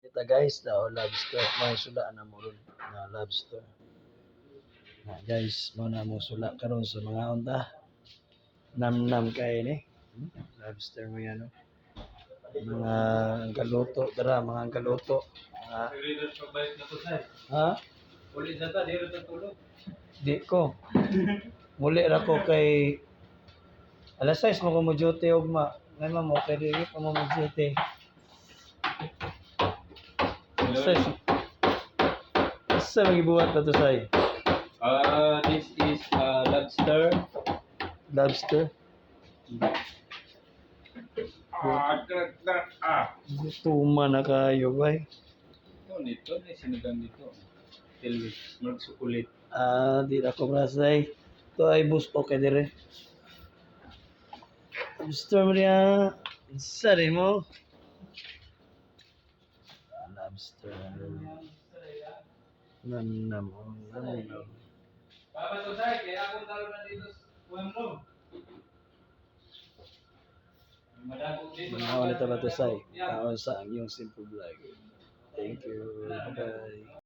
Kita guys, daw lobster. May sula na mo ron na lobster. Na guys, mo na mo sula karon sa mga unta. Nam-nam kay ni. Lobster mo yan, no? Mga angkaluto, tara, mga angkaluto. Ha? Ulit na ta, di rin tulog. Di ko. Muli ra ko kay alas 6 mo ko mo duty ugma. Ngayon mo kay dili pa mo duty. Say, sa mga buhat na to say? This is lobster. Lobster? Tuma na kayo, bay. Ito, may sinigang dito. Tilwis, magsukulit. Di na ko masay. Ito ay bus okay dire. Lobster mo niya. Sari mo. Lobster. Nam-nam. Nam-nam. Papa to say, kaya akong talo na dito sa kuwan mo. Madagog dito. Mga ulit na to say. Kaon sa ang iyong simple vlog. Thank you. Bye.